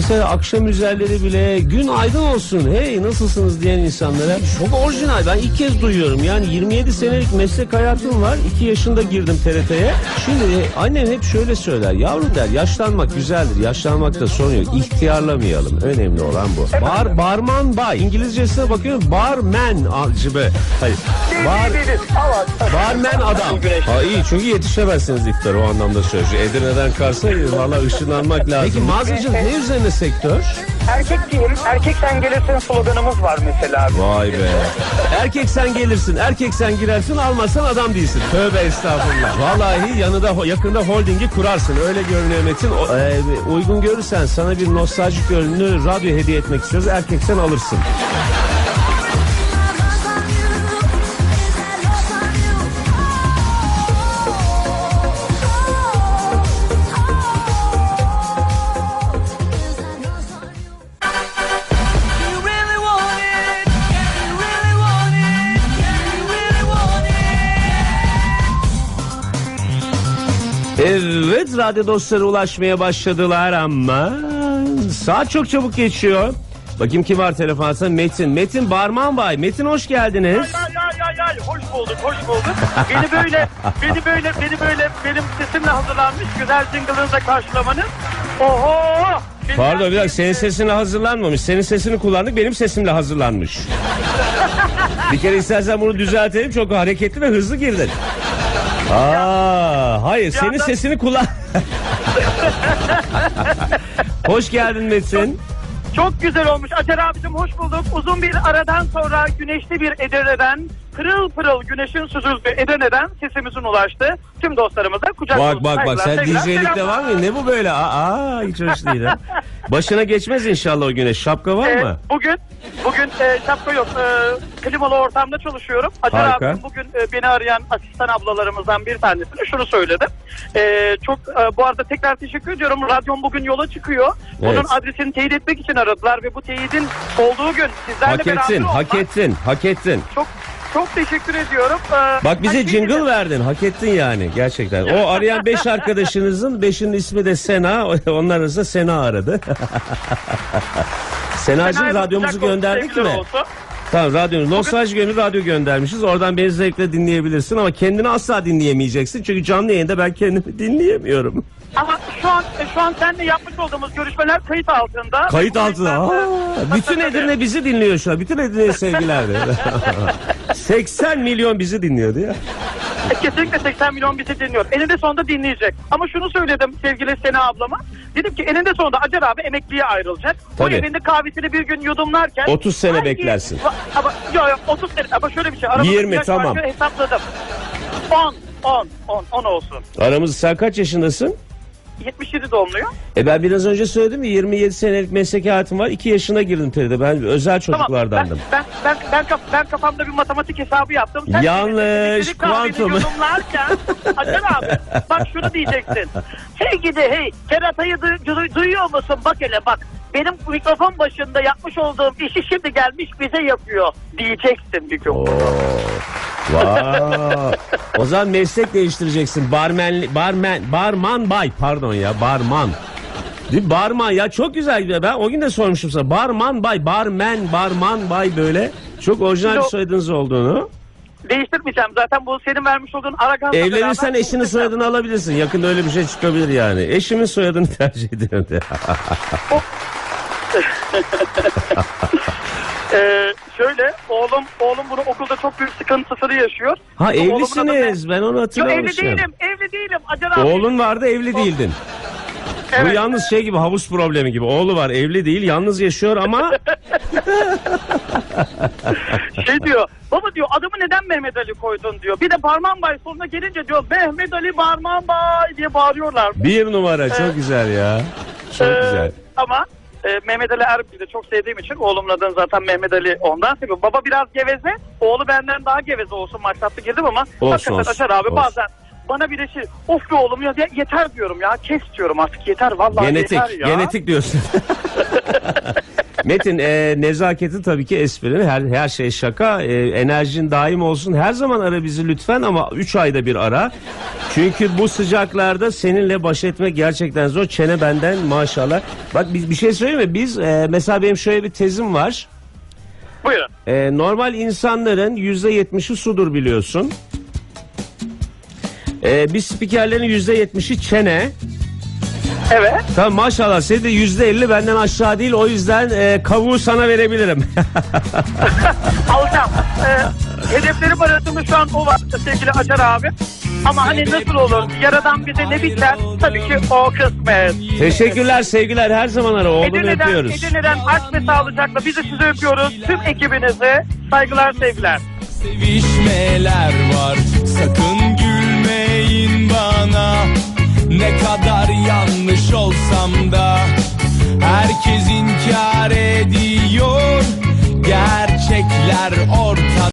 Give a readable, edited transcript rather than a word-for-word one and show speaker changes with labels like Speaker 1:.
Speaker 1: Mesela akşam üzerleri bile gün aydın olsun, hey nasılsınız diyen insanlara çok orijinal. Ben ilk kez duyuyorum. Yani 27 senelik meslek hayatım var. 2 yaşında girdim TRT'ye. Şimdi annem hep şöyle söyler. Yavrum der, yaşlanmak güzeldir. Yaşlanmakta sorun yok. İhtiyarlamayalım. Önemli olan bu. Barman bay. İngilizcesine bakıyorum. Barman acıbe. Hayır. Barman adam. Ha iyi, çünkü yetişemezsiniz iftara, o anlamda söylüyor. Edirne'den Kars'a valla ışınlanmak lazım. Peki mağazacılık ne üzerine sektör?
Speaker 2: Erkek diyelim, erkek sen gelirsin sloganımız var mesela.
Speaker 1: Vay be. Erkek sen gelirsin, erkek sen girersin, almazsan adam değilsin. Tövbe estağfurullah. Vallahi yakında holdingi kurarsın. Öyle görünüyor Metin. Uygun görürsen sana bir nostaljik ürünü radyo hediye etmek istiyoruz. Erkek sen alırsın. Evet, radyo dostları ulaşmaya başladılar ama saat çok çabuk geçiyor. Bakayım kim var telefonda? Metin Barman Bay. Metin hoş geldiniz.
Speaker 2: Ay, hoş bulduk. Beni böyle benim sesimle hazırlanmış güzel jingle'ınızla karşılamanız. Oho!
Speaker 1: Pardon bir dakika, senin sesine hazırlanmamış. Senin sesini kullandık, benim sesimle hazırlanmış. Bir kere istersen bunu düzeltelim, çok hareketli ve hızlı girdin. Hayır, senin sesini kullan. Hoş geldin Metin.
Speaker 2: Çok güzel olmuş. Acar abicim hoş bulduk. Uzun bir aradan sonra güneşli bir Edirne'den, pırıl pırıl güneşin süzüldüğü Edirne'den sesimizin ulaştı. Tüm dostlarımıza kucak dolusu
Speaker 1: Bak sen DJ'likte var mı? Ne bu böyle? Hiç hoş değil ha. Başına geçmez inşallah o güneş. Şapka var mı?
Speaker 2: Bugün şapka yok. Klimalı ortamda çalışıyorum. Acar abim bugün beni arayan asistan ablalarımızdan bir tanesine şunu söyledi. Bu arada tekrar teşekkür ediyorum. Radyom bugün yola çıkıyor.
Speaker 1: Evet.
Speaker 2: Bunun adresini teyit etmek için aradılar ve bu teyidin olduğu gün sizlerle beraber olmak.
Speaker 1: Hak ettin.
Speaker 2: Çok teşekkür ediyorum.
Speaker 1: Bak bize jingle verdin. Hak ettin yani gerçekten. O arayan 5 arkadaşınızın 5'inin ismi de Sena. Onlar arasında Sena aradı. Sena'cığım radyomuzu gönderdik mi? Tamam, radyomuz. Nostalji Gönül radyo göndermişiz. Oradan beni zevkle dinleyebilirsin ama kendini asla dinleyemeyeceksin. Çünkü canlı yayında ben kendimi dinleyemiyorum.
Speaker 2: Ama şu an seninle yapmış olduğumuz görüşmeler kayıt altında.
Speaker 1: Kayıt altında. Bütün Edirne bizi dinliyor şu an. Bütün Edirne'ye sevgiler. 80 milyon bizi dinliyordu ya.
Speaker 2: Kesinlikle 80 milyon bizi dinliyor. Eninde sonunda dinleyecek. Ama şunu söyledim sevgili Sena ablama. Dedim ki eninde sonunda Acar abi emekliye ayrılacak.
Speaker 1: Tabii.
Speaker 2: Bu evinde kahvesini bir gün yudumlarken
Speaker 1: 30 sene beklersin.
Speaker 2: Ama yok 30 sene ama şöyle bir şey.
Speaker 1: 20 tamam.
Speaker 2: Hesapladım. 10 olsun.
Speaker 1: Aramızda sen kaç yaşındasın?
Speaker 2: 77 doğumluyum.
Speaker 1: Ben biraz önce söyledim ya, 27 senelik meslek hayatım var. 2 yaşına girdim TRT'de. Ben özel çocuklardandım.
Speaker 2: Ben kafamda bir matematik hesabı yaptım. Sen
Speaker 1: yanlış, kuantum.
Speaker 2: Acar abi bak şunu diyeceksin. Hey keratayı duyuyor musun? Bak hele bak. Benim mikrofon başında yapmış olduğum işi şimdi gelmiş bize yapıyor diyeceksin bir gün.
Speaker 1: O zaman meslek değiştireceksin. Barman bay. Pardon ya, barman. Değil mi? Barman ya, çok güzel. Ben o gün de sormuşum sana. Barman bay, barman bay, böyle. Çok orijinal bir soyadınız olduğunu.
Speaker 2: Değiştirmeyeceğim. Zaten bu senin vermiş olduğun Aragan'la
Speaker 1: evlenirsen eşinin soyadını alabilirsin. Yakında öyle bir şey çıkabilir yani. Eşimin soyadını tercih ediyorum de.
Speaker 2: Şöyle oğlum bunu okulda çok büyük sıkıntısını yaşıyor.
Speaker 1: Evlisiniz, ben onu hatırlamışım.
Speaker 2: Evli değilim Acar abi.
Speaker 1: Oğlun vardı, evli değildin. Evet. Bu yalnız şey gibi, havuz problemi gibi. Oğlu var, evli değil, yalnız yaşıyor ama
Speaker 2: diyor, baba diyor, adımı neden Mehmet Ali koydun diyor. Bir de Barman Bay sonuna gelince diyor Mehmet Ali Barman Bay diye bağırıyorlar.
Speaker 1: Bir numara, çok güzel ya. Çok güzel.
Speaker 2: Ama Mehmet Ali Erbil'i de çok sevdiğim için oğlumun adını zaten Mehmet Ali ondan seviyorum. Baba biraz geveze, oğlu benden daha geveze olsun maksatlı girdim ama hakikaten Acar abi bazen bana bir de of be oğlum ya yeter diyorum ya, kes diyorum artık, yeter vallahi yeter ya.
Speaker 1: Genetik diyorsun. Metin, nezaketi tabii ki esprili, her şey şaka, enerjin daim olsun, her zaman ara bizi lütfen ama 3 ayda bir ara. Çünkü bu sıcaklarda seninle baş etmek gerçekten zor. Çene benden maşallah. Bak bir şey söyleyeyim mi? Biz mesela benim şöyle bir tezim var.
Speaker 2: Buyurun.
Speaker 1: Normal insanların %70'i sudur biliyorsun. Biz spikerlerin %70'i çene.
Speaker 2: Evet.
Speaker 1: Tamam maşallah senin de %50 benden aşağı değil, o yüzden kavuğu sana verebilirim.
Speaker 2: Alacağım. Hedeflerim arasında şu an o var sevgili Acar abi. Ama hani nasıl olur? Yaradan bize ne biter? Tabii ki o kısmet.
Speaker 1: Teşekkürler, sevgiler, her zaman ara, oğlunu öpüyoruz.
Speaker 2: Edirne'den aşk ve sağlıcakla biz de sizi öpüyoruz. Tüm ekibinize saygılar, sevgiler.
Speaker 3: Sevişmeler var sakın